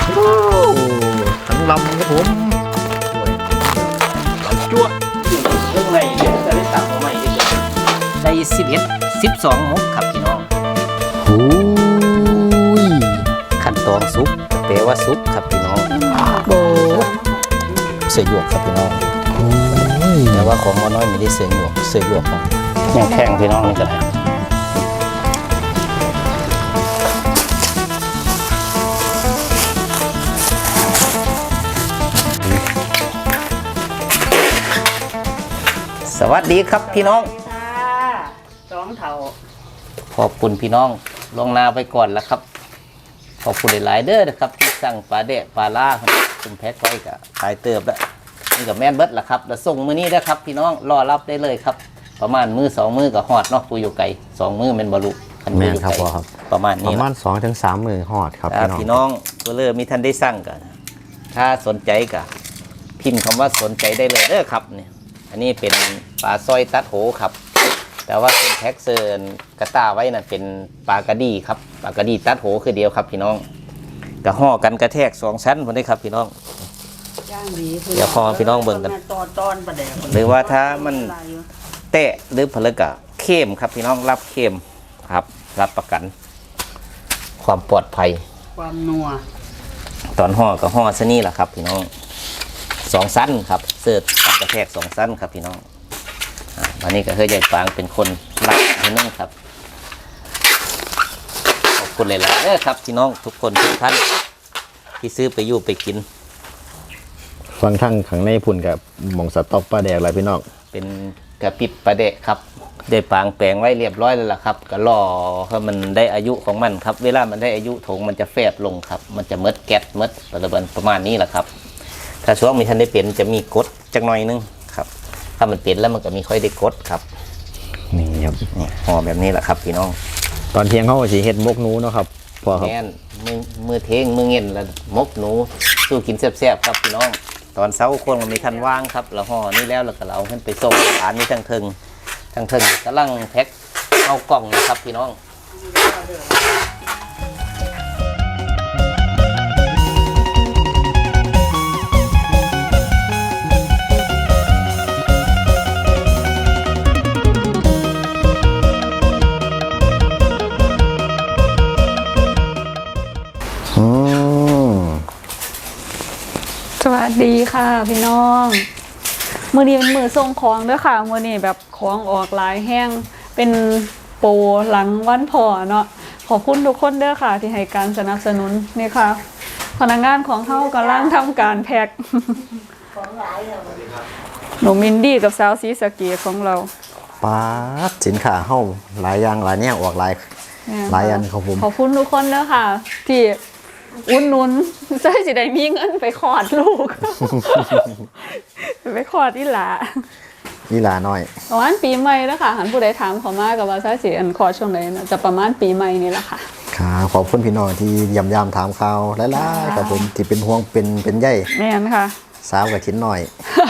ทั้งลำครับผมลำจั่วเรื่องในเดี๋ยวจะได้ตักมาใหม่ได้11 12 มุกครับพี่น้องหูยขั้นตอนซุปแปลว่าซุปครับพี่น้องโบเสือหยวกครับพี่น้องแต่ว่าของน้อยไม่ได้เสือหยวกของยังแข็งพี่น้องนี่ก็ได้สวัสดีครับพี่น้องสองเท่าขอบคุณพี่น้องลงนาไปก่อนแล้วครับขอบคุณหลายๆเด้อนะครับที่สั่งปลาเดะปลาล่าครับคุณแพ็คไว้กับขายเติบแล้วนี่กับแม่นเบิดละครับแล้วส่งมือนี้นะครับพี่น้องรอรับได้เลยครับประมาณมือ2 มือกับหอดเนาะปูอยู่ไก่2 มือเป็นบรรลุแม่นครับพ่อครับประมาณปนี้ระมาณ2 ถึง 3 มื้อฮอดครับพี่น้องก็เลยมีท่านได้สั่งกันถ้าสนใจก็พิมพ์คำว่าสนใจได้เลยเด้อครับเนี่ยอันนี้เป็นปลาสร้อยตัดโหครับแต่ว่าเป็นแพ็กเซิร์นกระต้าไว้น่ะเป็นปลากระดีครับปลากระดีตัดโหคือเดียวครับพี่น้องกระห่อกันกระแทก2 ชั้นพอได้ครับพี่น้องย่างดีเดี๋ยวพอพี่น้องเบิ่งกันตอนประเดี๋ยวหรือว่าถ้ามันแตะหรือผลึกอะเข้มครับพี่น้องรับเข้มครับรับประกัน ความปลอดภัยความนัวตอนห่อก็ห่อซะนี่แหละครับพี่น้อง2 ชั้นครับเสิร์ฟกับกระแทก2 ชั้นครับพี่น้องวันนี้ก็เฮ้ยใหญ่ปางเป็นคนรับให้น้องครับขอบคุณเลยล่ะครับพี่น้องทุกคนทุกท่านที่ซื้อไปอยู่ไปกินฟังทั้งข้างในพุ่นกับหม่องสต๊อกปลาแดกอะไรพี่น้องเป็นกระปิบประเดะครับได้ปางแปลงไว้เรียบร้อยแล้วล่ะครับก็รอให้มันได้อายุของมันครับเวลามันได้อายุถงมันจะแฟบลงครับมันจะมดแก๊สมดประมาณนี้แหละครับถ้าช่วงมีท่านได้เป็นจะมีกดจักหน่อยนึงครับถ้ามันเป็นแล้วมันก็มีค่อยได้กดครับนี่ครับนี่ห่อแบบนี้แหละครับพี่น้องตอนเที่ยงเขาก็สิเฮ็ดมกหนูเนาะครับพ่อครับแม่นมือเทงมือเงินแล้วมกหนูสู้กินแซ่บๆครับพี่น้องตอนเช้าคนมันมีทันว่างครับเราห่อนี่แล้วเราก็เอาขึ้นไปส่งร้านนี้ทั้งเทิงกำลังแพ็คเอากล่องนะครับพี่น้องสวัสดีค่ะพี่น้องมือนี้เป็นมือส่งของด้วยค่ะมือนี้แบบของออกหลายแห้งเป็นโปรหลังวันพอเนาะขอบคุณทุกคนเด้อค่ะที่ให้การสนับสนุนนี่ค่ะพนักงานของเขากำลังทำการแพ็คหนูมินดี้กับสาวซีสะเกีของเราปาดสินค้าเฮาหลายอย่างหลายแนวออกหลายอันครับผมขอบคุณทุกคนเด้อค่ะ ที่อุ่นนุนใช่สิได้มีเงินไปคลอดลูก ไปคลอดที่หลานี่ลาน้อยประมาณปีใหม่แล้วค่ะหันผู้ใดถามเขามากับว่าใช่สิอันคลอดช่วงไหนนะจะประมาณปีใหม่นี่แหละค่ะครับขอบคุณพี่น้องที่ยำถามข่าวหลายๆครับผมที่เป็นห่วงเป็นใยแม่นค่ะสาวกับชิ้นหน่อย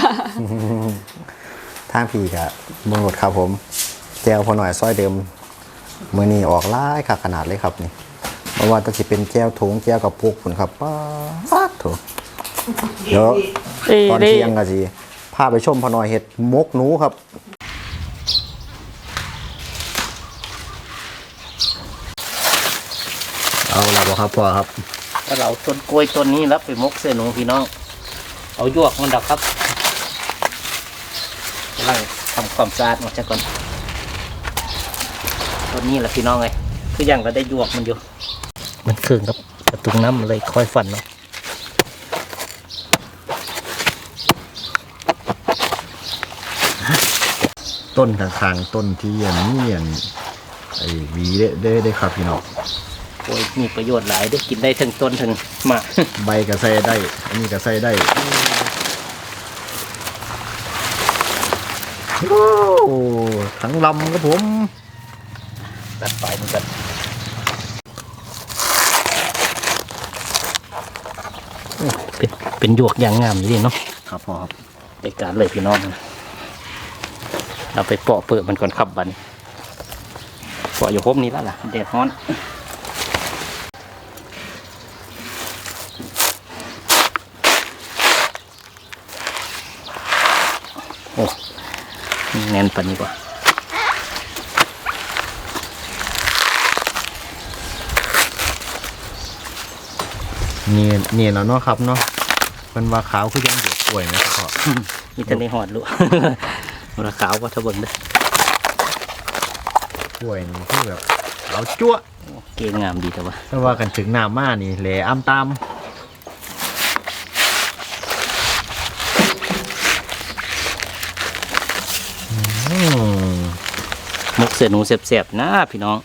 ทางพี่กับเมืองรถครับผมแก้วพอหน่อยซอยเดิมมือนี้ออกหลายค่ะขนาดเลยครับนี่เพราะว่าต้องสิเป็นแก้วถุงแก้วกับปุกผุนครับป้าดโถเดี๋ยวตอนเที่ยงก็สิพาไปชมพอหน่อยเห็ดมกหนูครับเอาละบ่ครับพ่อครับถ้าเราต้นกล้วยต้นนี้รับไปมกเส้นหนูพี่น้องเอายวกมันดอกครับกำลังทำความสะอาดมันซะก่อนต้นนี้แหละพี่น้องเลยคือยังเราได้ยวกมันอยู่มันเครื่องครับกระตุงน้ำเลยค่อยฟันเนาะต้นข้างๆต้นที่อย่างนี้อย่างไอ้หวีได้ครับพี่น้องโอ้ยมีประโยชน์หลายได้กินได้ทั้งต้นทั้งหมากใบก็ใส่ได้ อันนี้ก็ใส่ได้โอ้ทั้งลำครับผมตัดปลายเหมือนกันเป็นหยวกอย่างงามเลยเนาะครับพ่อครับในการเลยพี่น้องเราไปเปาะเปิดมันก่อนขับบันเปาะอยู่พบนี้แล้วล่ะแดดร้อนแน่นปานนี้กว่านี่แล้วเนาะครับเนาะมันว่าขาวคือยังเดือดป่วยนะครับพ่อมีแต่ในหอดลูก มันขาวว่าทะเบิงเด้อป่วยนี่คือแบบขาวจั๊วะเก่งงามดีแต่ว่าถ้าว่ากันถึงน้ำมานี่แหลอ้ำตามมกเสือหนูเสียบๆนะพี่น้อง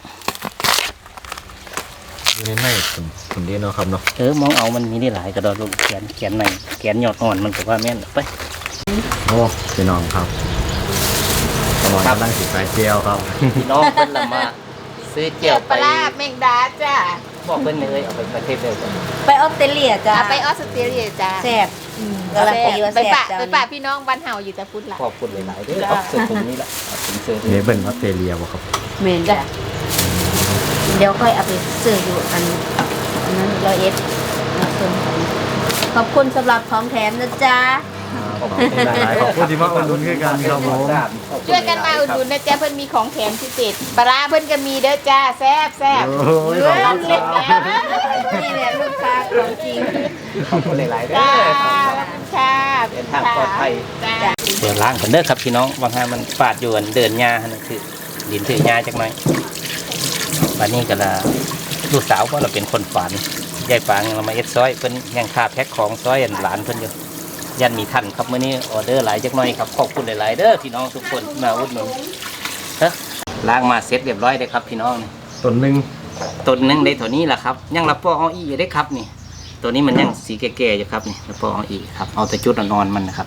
อยู่ในผมดีเนาะครับเนาะมองเอามันมีได้หลายกระดอนลูกแขนในแขนยอดอ่อนมันก็ว่าแม่นไปโอ้พี่น้องครับกำลังสิใส่เจียวครับพี่น้องเพิ่นละมาซื้อเจียวปไปลาแมงดาจ้าบอกเพิ่นเลยเอาไปประเทศเดียวกันไปออสเตรเลียจ้าไปออสเตรเลียจ้าแซ่บกำลังไปอยู่ว่าไปแซ่บปะจ้าไปปะพี่น้องบ้านเฮาอยู่แต่พุทธละขอบคุณหลายๆเด้อเอาเสื้อถุงนี้ละเอาถุงเสื้อเนเบิลออสเตรเลียบ่ครับเมนจ้ะเดี๋ยวค่อยเอาไปซื้ออยู่อันนั้น100 ขอบคุณสำหรับของแถมนะจ๊ะขอบคุณหลายๆขอบคุณที่มาอุดหนุนคือกันครับผมช่วยกันมาอุดหนุนนะจ๊ะเพิ่นมีของแถมพิเศษปลาร้าเพิ่นก็มีเด้อจ้าแซ่บแซ่บโอ้ยขอบคุณครับนี่แหละลูกค้าของจริงขอบคุณหลายๆเด้จ้าอขอบคุณค่ะเดินทางปลอดภัยจ้าเปิดล้างกันเด้อครับพี่น้องบางทีมันปาดอยู่อันเดินหญ้าหั่นนะคือดินถือหญ้าจักหน่อยวันนี้ก็ละลูกสาวเพราะเราเป็นคนฝันยายปางเรามาเอ็ดซอยเพิ่นยังขาดแพ็คของซอยอันหลานเพิ่นอยู่ยันมีทันครับมื้อนี้ออเดอร์หลายจักหน่อยครับขอบคุณหลายๆเด้อพี่น้องทุกคนที่มาอุดหนุนเฮ้อล้างมาเสร็จเรียบร้อยเลยครับพี่น้องนี่ต้นหนึ่งต้นหนึงได้ตัวนี้แหละครับยังรับปอเอาอีอยู่ได้ครับนี่ ตัวนี้มันยังสีแก่ๆอยู่ครับนี่รับปอเอาอีครับเอาแต่จุดนอนๆมันนะครับ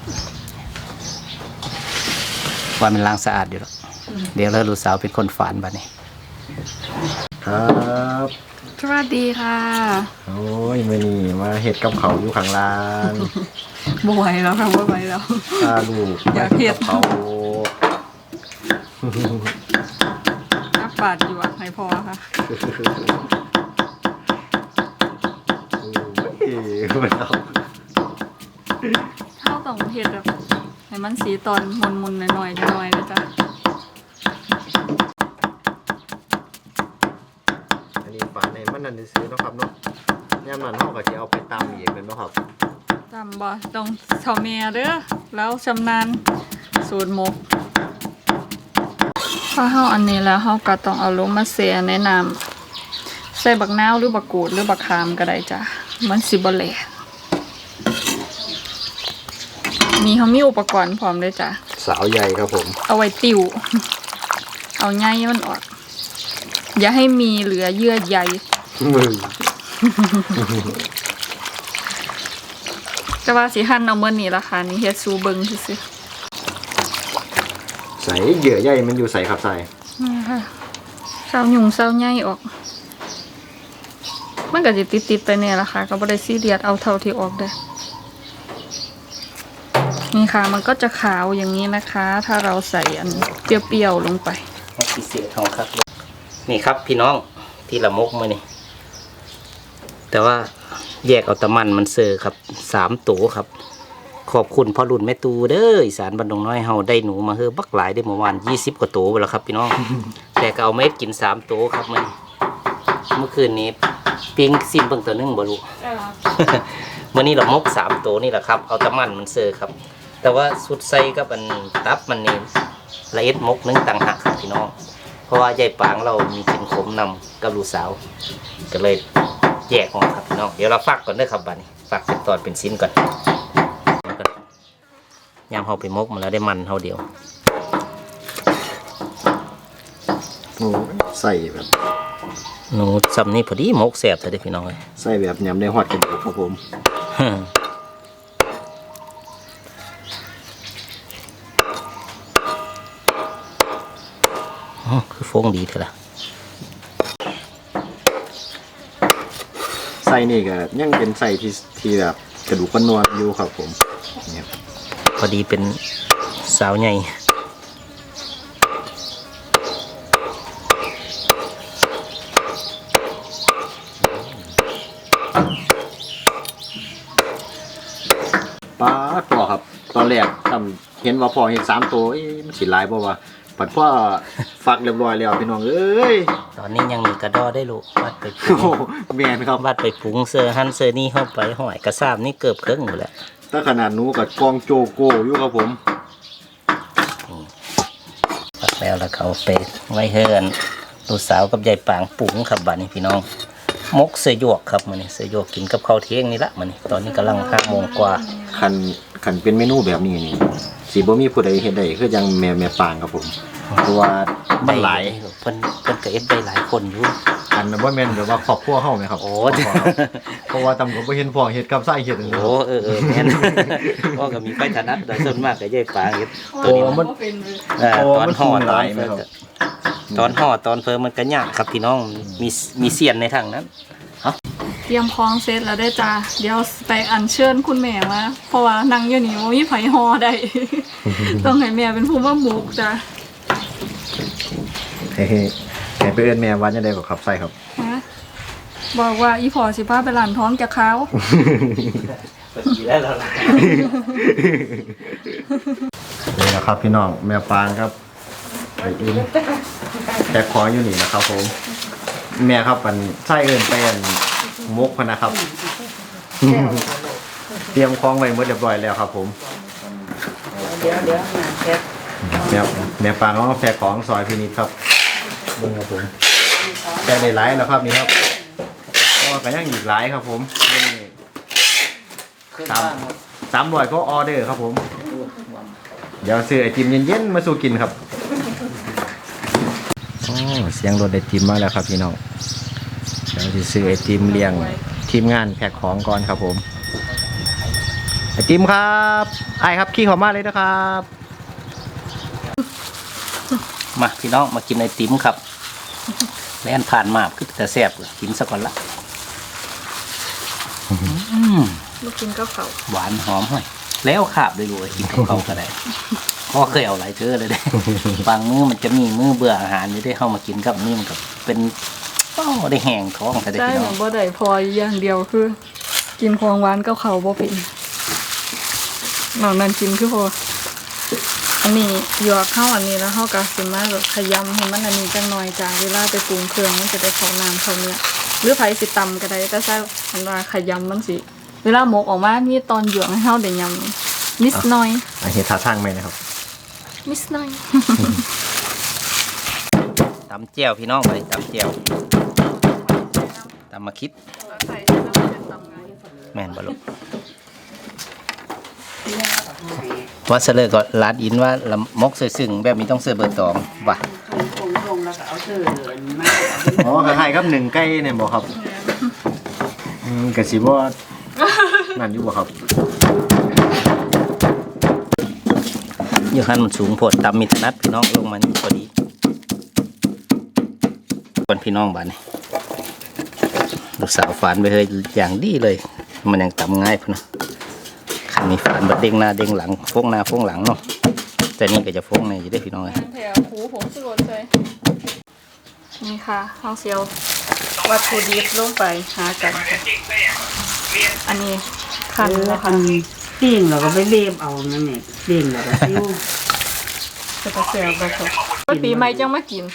ว่ามันล้างสะอาดอยู่แล้วเดี๋ยวแล้วลูกสาวเป็นคนฝานบัดนี้ครับสวัสดีค่ะโอ้ยมื้อนี้มาเฮ็ดกับเขาวอยู่ข้างล่างบ่ไหวแล้วค่ะบ่ไหวแล้วพาลูกอยากเฮ็ดกับเขาวนักปาดอยู่อ่ะให้พอค่ะโอ้ยมันเอาเข้าต้องเฮ็ดแบบให้มันสีตอนมนๆหน่อยๆหน่อยๆนะจ๊ะอันนี้ฝานในมันนั่นซื้อๆเนาะครับเนาะยามนั้นเฮาก็สิเอาไปตำอีกแม่นบ่ครับจำบ่ต้องเฒ่าแม่เด้อแล้วชำนาญสูตรหมกพอเฮาอันนี้แล้วเฮาก็ต้องเอาลงมาแช่ในน้ำใส่บักนาวหรือบักกูดหรือบักขามก็ได้จ้ะมันสิบ่แหลกนี่เขามีอุปกรณ์พร้อมเลยจ้ะสาวใหญ่ครับผมเอาไว้ติว เอาใยมันออก อย่าให้มีเหลือเยื่อใยมือแต่ว่าสิหั่นเอาเมื่อนี้ราคานี้เฮ็ดซูเบิงซื่อใส่เหยื่อใหญ่มันอยู่ใส่ครับใส่ๆนี่ค่ะเศร้าหยุ่งเศร้าใยออก มันก็สิติดๆไปเนี่ยล่ะค่ะก็บ่ได้ซีเรียสเอาเท่าที่ออกได้ นี่ค่ะมันก็จะขาวอย่างนี้นะคะ ถ้าเราใส่อันเปรี้ยวๆลงไปพิเศษของครับนี่ครับพี่น้องที่ละมกมือนี่แต่ว่าแยกเอาแตะมันเซอร์ครับ3ตัวครับ ขอบคุณพ่อรุ่นแม่ตูเด้ออีสานบ้านดงน้อยเฮาได้หนูมาเฮ้อบักหลายได้เมื่อวาน20 กว่าตัวไปแล้วครับพี่น้อง แต่ก็เอาเม็ดกิน3ตัวครับมื้อนี้เมื่อคืนนี้ปิ้งซิมเบิ่งตัวหนึงบ่รู้ เมื่อนี้เรามก3ตัวนี่แหละครับเอาแตะมันเซอร์ครับ แต่ว่าสุดใส่กับอันตับมันนี่ละเอียดมกนึงต่างหากครับพี่น้องเพราะว่ายายปางเรามีกินขมนำกับลูกสาวก็เลยแยกออกครับพี่น้องเดี๋ยวเราฟักก่อนเด้อครับบัดนี้ฟักเป็นตอนเป็นชิ้นก่อนยามเฮาไปมกมาแล้วได้มันเฮาเดียวโอ้ยใส่แบบหนูซ้ำนี่พอดีมกแซ่บเลยเด้อพี่น้องเอ้ยใส่แบบยำได้ฮอดกระดูกครับผมอ๋อคือฟงดีเถอะล่ะใส่นี่ก็ยังเป็นใส่ที่แบบกระดูกกระนวดอยู่ครับผมเนี่ยพอดีเป็นสาวใหญ่ป้าดปอครับตอนแรกตำเห็นว่าพ่อเห็น3ตัวมันสิหลายบ่ว่าปัดพ่อฟักเรียบร้อยแล้วพี่น้องเอ้ยตอนนี้ยังมีกระดอได้ลูกวัดไปโอ้โหแม่นครับวัดไปปรุงเสื้อหันเสื้อนี่เข้าไปห้อยกระซ้ำนี่เกือบครึ่งหมดแล้วถ้าขนาดหนูกับกองโจโก้อยู่ครับผมวัดแล้วเขาไปไว้เฮือนลูกสาวกับยายปางปรุงครับบัดนี้พี่น้องมกเสื้อหยวกครับมันนี่เสื้อหยวกกินกับข้าวเที่ยงนี่ละมันนี่ตอนนี้กำลัง5 โมงกว่าคันเป็นเมนูแบบนี้นี่สิบ่มีผู้ใดเฮ็ดได้คือยังแม่ปางครับผมเพราะว่ามันหลายเพิ่นก็เอ็ดได้หลายคนอยู่อันนั้นบ่แม่นแบบว่าครอบครัวเฮาไหมครับโอ้เพราะว่าตำก็บ่เห็นพ่อเฮ็ดกับไส้เฮ็ดนั่นโอ้แม่น พ่อก็มีไฟถนัดแต่ส่วนมากก็ยายปางเฮ็ดตัวนี้มันตอนห่อหลายไหมครับตอนห่อตอนเพิ่มมันก็ยากครับพี่น้องมีเสียนในทางนั้นเตรียมพร้อมเสร็จแล้วได้อจ้าเดี๋ยวไปอัญเชิญคุณแม่มาเพราะว่านั่งอยู่นี่บ่มีไผฮอได้ ต้องให้แม่เป็นผู้มาหมุกจ้าเฮ้ให้ไปเอิ้นแม่ว่าจังได๋ก็ครับไส้ครับฮะบอกว่าอีพอสิพาไปหลานท้องจะเขาวดีแล้วล่ะนี่นะครับพี่น้องแม่ปางครับไปอินแต่ขออยู่นี่นะครับผมแม่ครับมันไส้เอิ้นไปอันมกพะนะครับ เตรียมของไว้หมดเรียบร้อยแล้วครับผมแม่ปางก็มาแพ็คของซอยพินิจครับเบิ่งครับผมแพ็คได้หลายแล้วครับนี่ครับก็ยังอีกหลายครับผมนี่300ก็ออเดอร์ครับผมเดี๋ยวซื้อไอติมเย็นๆมาสู่กินครับเสียงรถไอติมมาแล้วครับพี่น้องเดี๋ยวจะซื้อไอติมเลี้ยงทีมงานแพ็คของก่อนครับผมไอติมครับไอครับขี้เขามาเลยนะครับมาพี่น้องมากินไอติมครับแล่นผ่านมาคือแต่แซ่บกินซะก่อนละลูกกินก็เขาหวานหอมห้อยแล้วขาบเลยลูกกินกับเขาก็ได้พ่อเคยเอาหลายเทื่อเลยเด้ บางมื้อมันจะมีมื้อเบื่ออาหารนี่ได้เข้ามากินกับนี่มันก็เป็นได้แห้งท้องแต่ได้ได้พี่เหน้มืออง นบ่ได้พออย่างเดียวคือ กินของหวานกับเขาวบ่เป็นนอกนั้นกินคือพออันนี้หยวกเข้าอันนี้แล้วเข้ากับสิมาแบบขยำให้มันอันนี้จังหน่อยจ้าเวลาไปปรุงเครื่องมันจะได้เข้าน้ำเข้าเนื้อหรือไผสิตำก็ได้แต่ใช่อันว่าขยำมันสิเวลาหมกออกมานี่ตอนหยวกให้เฮาได้ยำนิดหน่อยเห็ดท่าทางไหมนะครับนิดหน่อยตำเจียวพี่น้องไปตำเจียวตำมาคิดแม่นบ่ลูกว่าเสลอก็ลาดอินว่าละมกเสือซึ่งแบบนี้ต้องเสือเบอร์ตองว่ะอ๋อคล้ายๆครับหนึ่งใกล้เนี่ยบอกครับกระสีบ่นั่นอยู่บ่ครับอยู่หันมันสูงโพดตำมีถนัดพี่น้องลงมานี่พอดีคนพี่น้องบ้านนี่ลูกสาวฝานไปเลยอย่างดีเลย มันยังตำง่ายพุ่นนะคันนี้ฝานบัดเด้งหน้าเด้งหลังโฟงหน้าโฟงหลังเนาะแต่นี่ก็จะโฟงในอยู่ได้พี่น้องเลยแถวหูผมสลดเลยนี่ค่ะเอาเซียววัตถุดิบลงไปหากันค่ะอันนี้คันแล้วค่ะปิ้งเราก็ไปเลียบเอานั่นเองปิ้งเราก็ซิ้วจะตะเซียวไปค่ะปีใหม่จังมากิน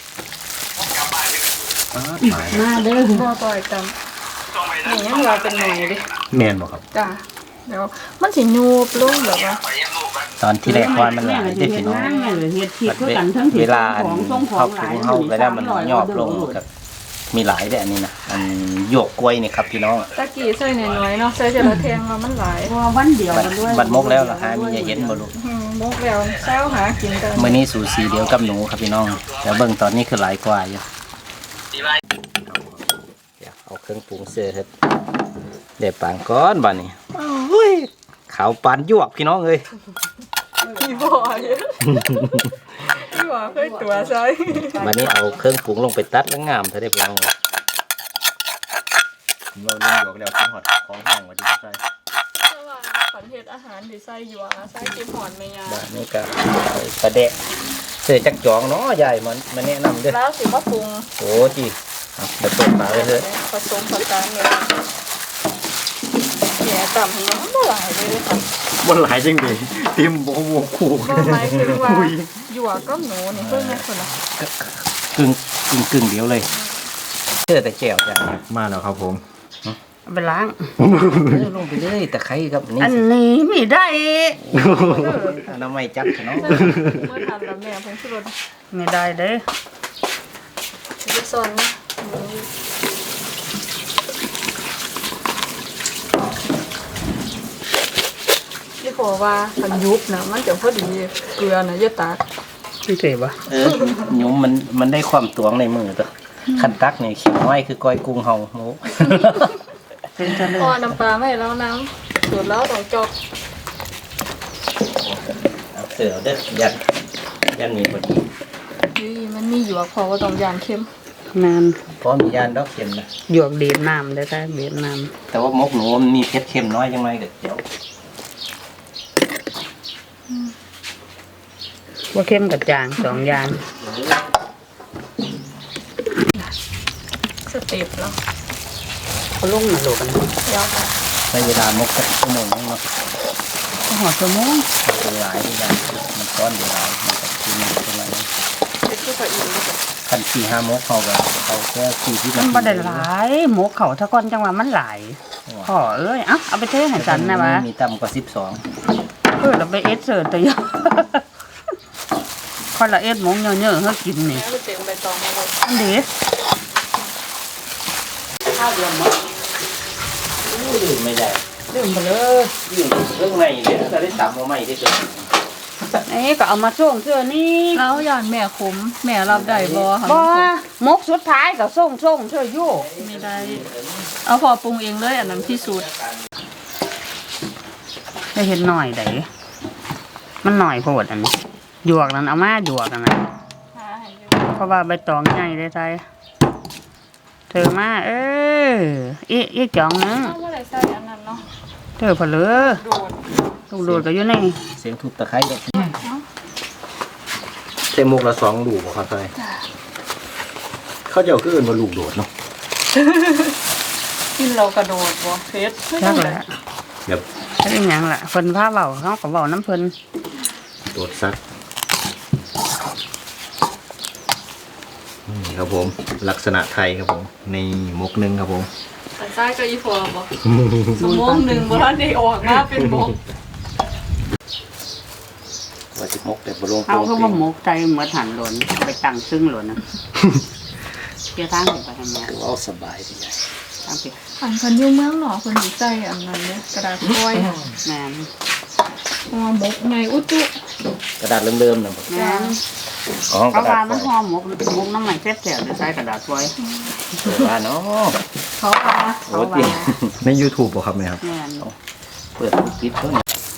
มาเด้อบ่ต่อยกันนี่ยังเราเป็นหน่อยดิแม่นบ่ครับจ้าเดี๋ยวมันสิยูบลงแบบว่าตอนที่แรกว่ามันหลายได้พี่น้องแม่เลยเฮ็ดผิดคือกันทั้งผิดเวลาของส่งขอเข้างหถึลายงเข้าไปแล้วมันยอบลงกับมีหลายแบบนี้นะอันโยกกล้วยนี่ครับพี่น้องตะกี้ใส่น้อยๆเนาะใส่เจลาแทงมามันหลายเพราะว่าวันเดียวกันด้วยบัดมกแล้วเหรอฮะมีอย่าเห็นบ่ลูกมกแล้วเช้าหากินกันมื้อนี้สูสีเดียวกับหนูครับพี่น้องแต่เบิ่งตอนนี้คือหลายกว่าอยู่อยากเอาเครื่องปรุงเสื้อเฮ็ดเดี๋ยวปางก้อนบัดนี้โอ้ยขาวปานยวกพี่น้องเอ้ยพี่บ่อยพี่บ่เคยตัวใส่บัดนี้เอาเครื่องปรุงลงไปตัดแล้วงามเท่าได้พี่น้องเอ้ยเราเล่นอยู่แล้วกินฮอดของห้องว่าที่ใช่แต่ว่าขันเฮ็ดอาหารที่ใส่หยวกใส่กินหอนแม่ยาบัดนี้ก็กระเดะเสื้อจักจองเนาะยายมันแนะนำเด้อแล้วสิมาปรุงโอ้จีเอาไปเปิดฝาไว้เถอะผสมผสานเลยแกะต่ำให้น้องบ่หลายเลยค่ะบนหลายจริงดิทีมบวกคู่บ่หลายคือว่าหยวกก็หนูนี่เพิ่งแม่คนละกึ่งเดียวเลยเจอแต่แก้วจ้ะมาแล้วครับผมเอาไปล้างลงไปเลยแต่ใครครับนี่อันนี้ไม่ได้น้ำไม่จับเนาะเมื่อทานแล้วแม่เพิ่งสุดไม่ได้เด้จะสอนนะที่ขอว่าคันยุบนะมันจะพอดีเกลือนะอย่าตากไม่เจ็บปะหยุมมันได้ความตวงในมือตัวคันตักเนี่ยเขียวน้อยคือก้อยกุ้งเฮาหมูเป็นทะเลพอน้ำปลาไม่แล้วน้ำสูตรแล้วต้องจอกเอาเสือเอาเด้อยันมีพอดีนี่มันมีหยวกพอว่าต้องยางเข้มนานเพราะมียานดอกเข็มนะหยวกเดียดน้ำได้ได้เดียดน้แต่ว่ามกหนูมันมีเพชรเค็มน้อยยังไงก็เดี๋ยวำว่าเข้มกับจางสองอย่างสเต็ปแล้วเขาลงมาโลกันยาวค่ะในเวลามกสักชั่วโมงนึงเนาะหอดชั่วโมงเป็นหลายที่ยานมันก้อนเดียวหลายมันก็คือมันประมาณนี้เป็นผู้ใส่อีกเลยค่ะคัน4-5 มกเขาก็เขาแค่40 มันบ่ได้หลายหมกเขาถ้าก้อนจังหวะมันหลายพ่อเอ้ยเอาไปเทให้สันนะวะมีต่ำกว่า12 เราไปเอสเสิร์ตตัวเยอะคนละเอสหมงเยอะๆให้กินนี่แล้วก็เต็มใบตองมาเลยอันเดียวข้าวเดียวหมดไม่ได้ดื่มไปเลยยิ่งเรื่องในเนี่ยจะได้ตำมาใหม่ได้เกินนี่ก็เอามาส่งเสื้อนี่แล้วย่านแม่ขมแม่รับได้บ่ค่ะบ่มกสุดท้ายก็ส่งเสื้ออยู่ไม่ได้ เอาพอปรุงเองเลยอันนั้นที่สุดได้เห็นหน่อยไดมันหน่อยโพดอันนี้หยวกนั้นเอามาหยวกอันนั้นเพราะว่าใบตองใหญ่ได้ใจเธอมาอีกจ่องนึงเอาบ่ได้ใส่อันนั้นเนาะเธอเพลือโดดลูกโดดก็อยู่ในเสียงทุบตะไคร้เลยเต็มมุกละ2ลูกบ่ครับใช่เขาจะเอาขึ้นมาลูกโดดเนาะกินเรากระโดดบ่เฟสจักแหละแบบจะเป็นหยังล่ะเพิ่นพาเว้าเขาก็เว้าน้ำเพิ่นโดดซักนี่ครับผมลักษณะไทยครับผมในมกหนึงครับผมแต่ใส่ก็อีพอบ่สมองหนึ่งบ่ทันได้ออกมาเป็นบ่ว่าสิมกแต่บลงเอาคือว่าหมกใจเหมือนหันหล่นเอาไปตั้งซึ่งหล่นนะเกี่ยวทางไปให้แม่เอาสบายดีใจตั้งไปอันคันอยู่เมืองหนอคนสิใส่อันนั้นเนี่ยกระดาษฟอยล์แม่นห่อหมกไงอุจุกระดาษเริ่มๆนะแม่นอ๋อกเขาระดาว่าษมันห่อหมกน้ำมันแซ่บๆจะใช้กระดาษไว้ว่าเนาะเขาเอาโอ้ยใน YouTube บ่ครับแม่ครับแม่นเปิดปิดเพิ่น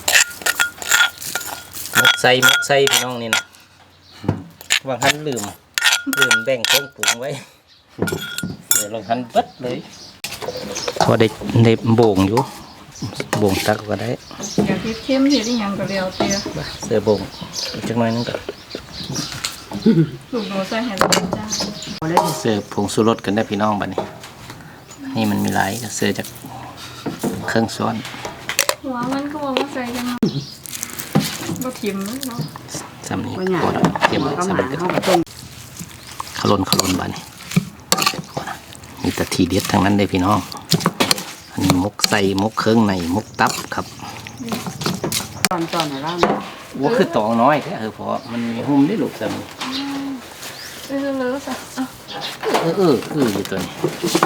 มกใส่พี่น้องนี่นะวางหันลืมแบ่งเครื่องปรุงไว้เดี๋ยวลงหันเบิดเลยพอได้โบ่งอยู่โบ่งตักก็ได้อยากเฮ็ดเข้มเฮ็ดอีหยังก็แล้วแต่เสือโบ่งอีกจักหน่อยนึงก็ลูกโดดใส่ให้เราจ้าเสือผงชูรสกันได้พี่น้องบัดนี้นี่มันมีหลายก็เสือจากเครื่องซ้อนหัวมันก็ว่าใส่กันมาบ่ทิ่มเนาะสำนี้ว่าหยังพอแล้วเตรียมก็สำมาเร็จเขาก็ต้มขลนบานี่มีแต่ทีเด็ดทั้งนั้นเลยพี่น้องอันนี้มกใส่มกเครื่องในมกตับครับตอนในร้านว่าคือตองน้อยแค่เพราะมันมีหุ้มได้ลูกสำนี้เลอะๆซะอ่ะอยู่ตัวนี้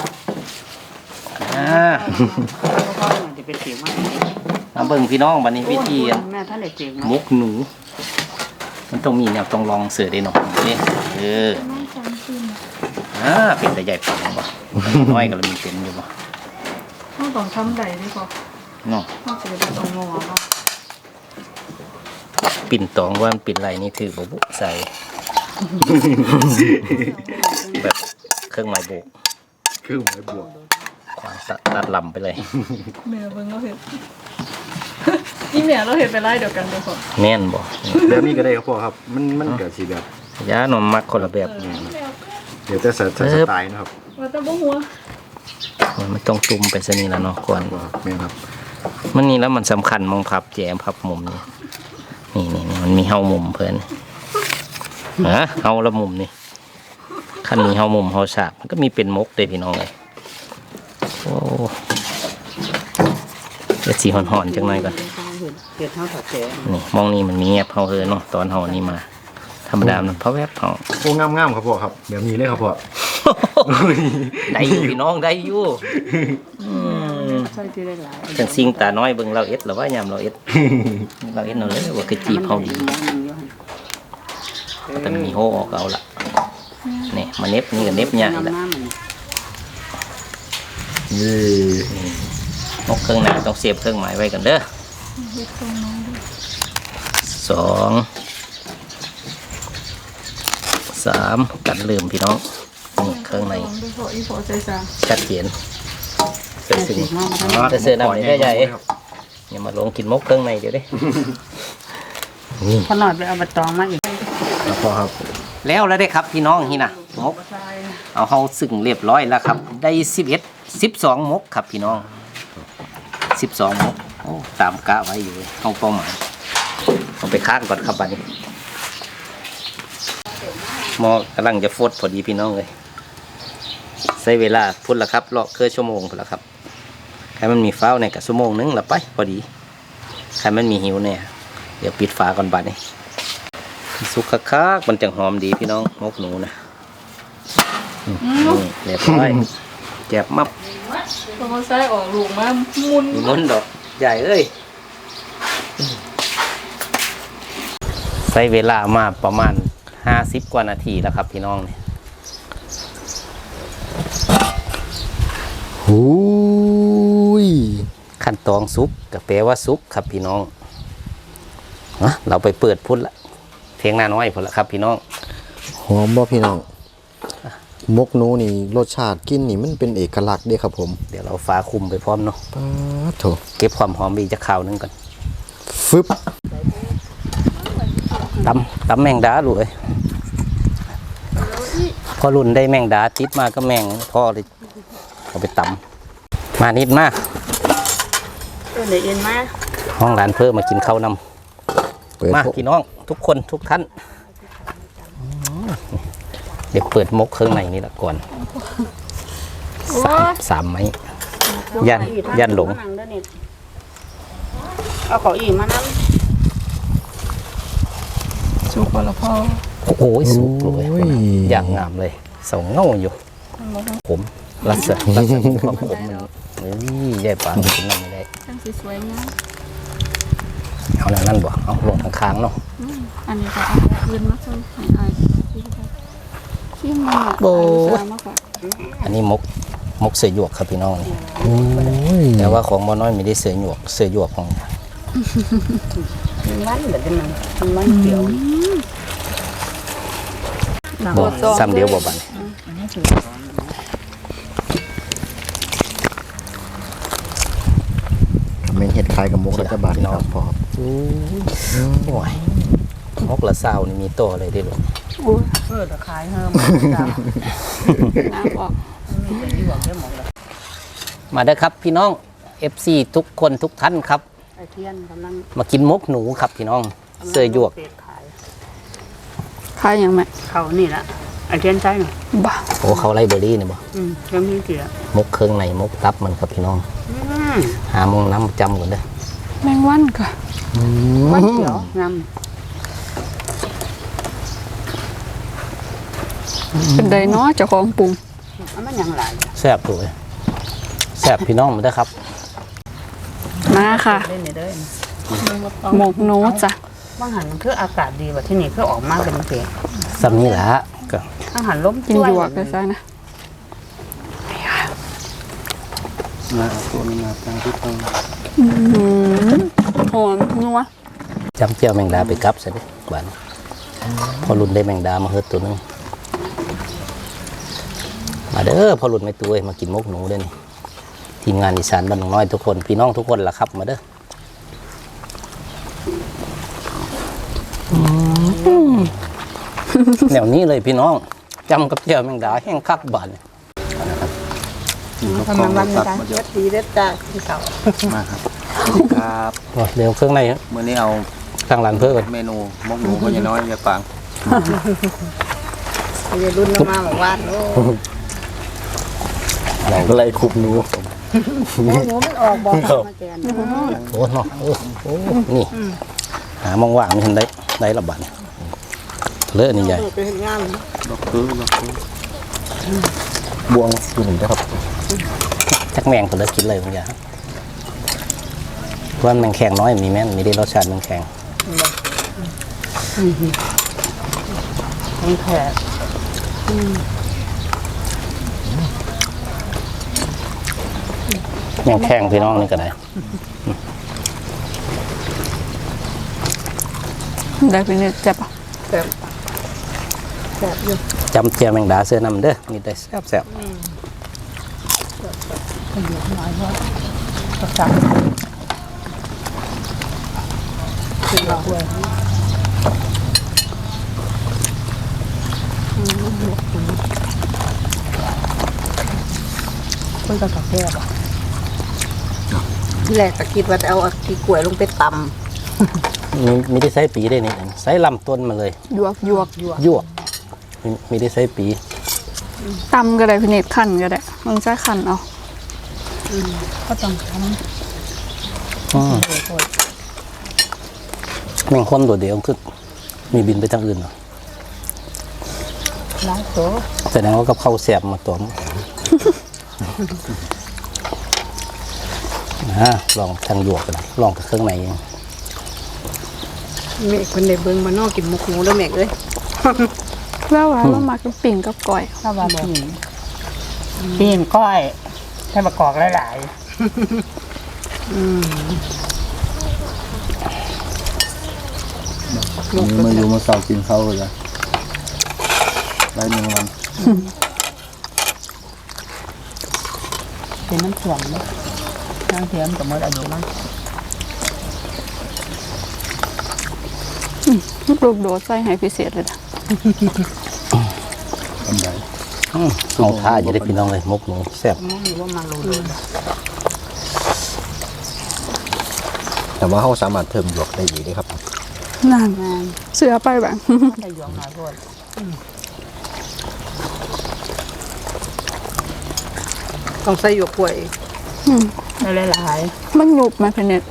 เขาจะเป็นเสียงมากมาเบิ่งพี่น้องบัดนี้วิธีแม่ท่านเด็กเสียงมกหนู มันต้องมีแนวต้องลองเสือได้หน่อยเป็นแต่ใหญ่ปังบ่น้อยก็เลยมีเป็นอยู่บ่เฮาต้องทำได้ดีกว่าเนาะเฮาสิได้ต้องงอเนาะปิ่นตองว่ามันปิ่นไรนี่ถือบ่บุใส่ แบบเครื่องหมายโบกคือไม้บวกตัดลำไปเลยแม่เบิ่งเราเฮ็ด นี่แม่เราเฮ็ดไปหลายเดียวกันเด้อพ่อแน่นบ่แบบนี้ก็ได้ครับพ่อครับมันเกิดสิแบบยาหนมมักคนละแบบเดี๋ยวแต่สไตล์นะครับว่าแต่บ่หัวมันต้องตุ่มไปซะนี่แล้วเนาะก่อนพ่อครับแม่ครับมันนี่แล้วมันสำคัญมองพับแจมพับมุมนี่มันมีเฮามุมเพิ่นเฮาละมุมนี่คันมีเฮามุมเฮาฉากมันก็มีเป็นมกเลยพี่น้องเลยโอ้เดี๋ยวสีห่อนๆจังหน่อยก่อนเฮ็ดเฮาถอดแจนี่มองนี่มันมีแอบเฮาเฮอเนาะตอนเฮานี่มาธรรมดามันเพราะแวบเฮาโอ้งามๆครับพ่อครับแบบนี้เลยครับพ่อได้อยู่พี่น้องได้อยู่ใส่ที่ได้หลายจังซิงตาน้อยเบิ่งเราเอ็ดหรือว่ายามเราเอ็ดเราเอ็ดเราเลยว่าคือจีบเฮาดีแต่มีโฮออกเอาละนี่มาเน็บนี่ก็เน็บใหญ่ละนี่นกเครื่องหน้าต้องเสียบเครื่องหมายไว้กันเด้อสองสามกันลืมพี่น้องนี่เครื่องในชัดเจนเสื้อสิ่งเสื้อดำนี่ใหญ่ๆอย่ามาลงกินมกเครื่องในเดี๋ยวดินี่พอหน่อยไปเอาใบตองมาอีกครับพ่อครับแล้วได้ครับพี่น้องนี่นะมกเอาเขาสึ่งเรียบร้อยแล้วครับได้12มกครับพี่น้อง12มกโอ้ตามกะไว้อยู่ห้องเป้าหมายเอาไปค้างก่อนครับบัดนี้หมอกำลังจะฟดพอดีพี่น้องเลยใช้เวลาพุ่นละครับรอเคยชั่วโมงพุ่นละครับใครมันมีฟ้าวในกับชั่วโมงนึงละไปพอดีใครมันมีหิวเนี่ยเดี๋ยวปิดฝาก่อนบัดนี้สุกคักๆมันจังหอมดีพี่น้องมกหนูนะนี่เรียบร้อยแจ็บมับเขาใส่ออกลูกมามุนมีมุนดอกใหญ่เอ้ยใช้เวลามาประมาณ50กว่านาทีแล้วครับพี่น้องเนี่ยหูยขั้นตอนซุปก็แปลว่าซุปครับพี่น้องเราไปเปิดพุ่นละเพียงหน้าน้อยพุ่นละครับพี่น้องหอมบ่พี่น้องมกหนูนี่รสชาติกินนี่มันเป็นเอกลักษณ์เด้ครับผมเดี๋ยวเราฟ้าคุมไปพร้อมเนาะป๊าดโถเก็บความหอมอีกจะข่าวหนึงก่อนฟึบตำแมงดาลูกเอ้ยพอรุ่นได้แมงดาติดมาก็แมงพ่อเลยเอาไปตำมานิดมากเดี๋ยวเอ็นมาห้องร้านเพิ่มมากินข้าวนเปิดำมาพี่น้องทุกคนทุกท่านเดี๋ยวเปิดมกเครื่องในนี่ละก่อนสามไม้ยันหลงเอาเก้าอี้มานั่งสุกแล้วพ่อโอ้โหสุกเลยอย่างงามเลยสองเงาอยู่ผมรัศมีความผมมันเฮ้ยใหญ่ปานกินน้ำไม่ได้จังสวยๆงามเอาแล้วนั่นบ่เอาลงข้างๆเนาะอันนี้ก็เอาคืนมาใส่ให้อายที่มันโอ้มากกว่าอันนี้มกเสือหยวกครับพี่น้องนี่โอ้ยแต่ว่าของบ่น้อยไม่ได้เสือหยวกของมันเดี๋ยวมันเขียวบ่ซ้ำเดียวบ่บันแม่งเห็ดคล้ายกับมกรัฐบาลครับพ่อครับโอ้ยมกละเศร้านี่มีตัวอะไรได้หรอตะไคร้เฮิมน้ำออกมาเด้อครับพี่น้อง FC ทุกคนทุกท่านครับไอเทียนกำลังมากินมกหนูครับพี่น้องเสือหยวกขายขายยังไงเขานี่ละไอเทียนใช่หน่อยบ้าโอ้เขาไล่เบอร์รี่เนี่ยบ่เรื่องนี้เกี่ยวมกเครื่องในมกตับมันครับพี่น้องหามองน้ำจำก่อนเด้อแมงวันค่ะมันเขียวงามเป็นไดเนาะเจ้าของปรุงมันยังหลายแซ่บตัวเลยแซ่บพี่น้องมาเด้อครับมาค่ะเล่นเด้อหมกหนูจ้ะบางหันมันคืออากาศดีกว่าที่นี่คือออกมาเป็นเปียกซ้ำนี่แหละก็บางหันล้มกินหยวกเลยซะนะ หอมนัวจำเจียวแมงดาไปกับซะดิบ้านพอรุ่นได้แมงดามาเฮ็ดตัวหนึงมาเด้อพอรุ่นไม่ตัวเอ้ยมากินมกหนูเด้อนี่ทีมงานอีสานบ้านหนองน้อยทุกคนพี่น้องทุกคนล่ะครับมาเด้อแนวนี้เลยพี่น้องจำกับเจียวแมงดาแห้งคักบานทำมันวันนี้จ้ะเด็ดดีเด็ดจ้าที่เขามาครับครับเดี๋ยวเครื่องในฮะมื้อนี้เอาทางร้านเพิ่มก่อนเมนูมกหนูพ่อใหญ่น้อยยายปางจะรุ่นลงมาบอกว่าโอ้เราก็เลยคุบหนูหมูมันออกบอกมาแกนโอ้เนาะโอ้นี่หามองว่างไม่ทันได้ระบาดเลอะนี่ใหญ่ไปเห็นงานดอกคือบวงอยู่หนึ่งนะครับจักแมงผมเลยกินเลยบางอย่างเพราะว่าแมงแข็งน้อยมีแม่นมีได้รสชาติแมงแข็งนี่แค่แมงแข็งพี่น้องนี่ก็ได้ได้เป็นเนี่ยเจ็บอ่ะแบบอยู่จำเจียแมงดาเสื้อนำเด้อมีแต่แซ่บคือเราด้วยคนก็กาแฟป่ะที่แรกก็คิดว่าจะเอาขี้กล้วยลงไปตมีได้ใส่ปีได้นี่ใส่ลำต้นมาเลยยวกยั่วมีได้ใส่ปีตำก็ได้พี่เนตขั้นก็ได้มึงใช้ขั้นเอาำก็ต้องทแมงคนตัวเดียวคือมีบินไปทางอื่นเหรอำล้างโต๊ะแสดงว่ากับข้าวแสบมาตัวมลองทางหยวกกันลองกับเครื่องในเองเมฆคนในเบิ้งมานอกกินหมกหมูแล้วเมฆเลยแล้วว่าเรามากับปิ่งกับก่อยถ้าว่าปีนก้อยให้ประกอบหลายนี่มาอยู่มาเสากินข้าวเลยได้หนึ่งวันๆเป็นน้ำถ่วงเลยน้ำเทียมกับมดอายุมั้งลูกโดดใส่ให้พิเศษเลยนะทำได้เอาท่าจะได้พี่น้องเลยมกหนูแซ่บมันอยู่ว่ามันรู้แต่ว่าเขาสามารถเพิ่มหยวกได้อีกด้วยครับนั่นเสือไปแบบได้หยองหน่อยโพดต้องใส่หยวกกล้วยได้หลายมันหยุบมาพี่เนต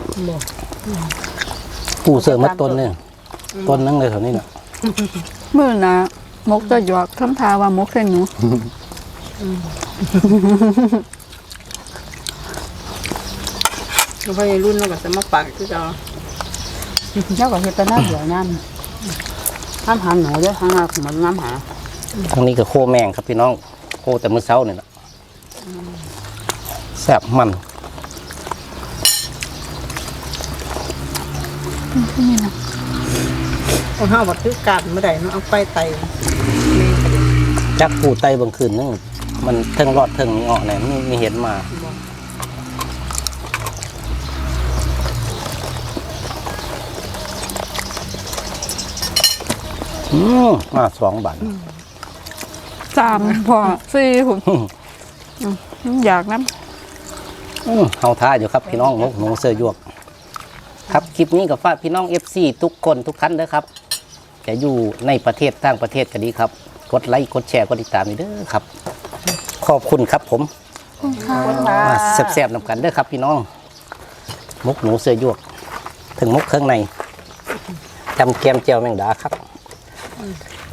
ปูเสือมัดต้นเนี่ยต้นนั่งเลยแถวนี้เนี่ยเมื่อนะมกจะหยวกทำทาว่ามกเส้นหนูแล้วพอในรุ่นเราก็จะมาปักคือจะๆแล้วก็เฮ็ดแต่หน้าเดี๋ยวน้ำหาหนูด้วยทางมาเหมือนน้ำหาทางนี้ก็โคแมงครับพี่น้องโคแต่มื้อเช้าเนี่ยนะแซ่บมันเอาห้าวัดคือการเมื่อใดเนาะเอาไปไตจักปูไตบางคืนนึงมันเทิงรอดเทิงเงาะเนี่ยมีเห็นมามา2 บาท 3พอ4ผมอยากน้เอาท่าอยู่ครับพี่น้องมกหนูเสื้อยวก ครับคลิปนี้กับฝากพี่น้อง FC ทุกคนทุกท่านนะครับ จะอยู่ในประเทศต่างประเทศก็ดีครับ กดไลค์กดแชร์กดติดตามนี่เด้อครับ ขอบคุณครับผมมาแซ่บๆนำกันเด้อครับพี่น้องมกหนูเสื้อยวก ถึงมกเครื่องในจำแกมเจียวแมงดาครับ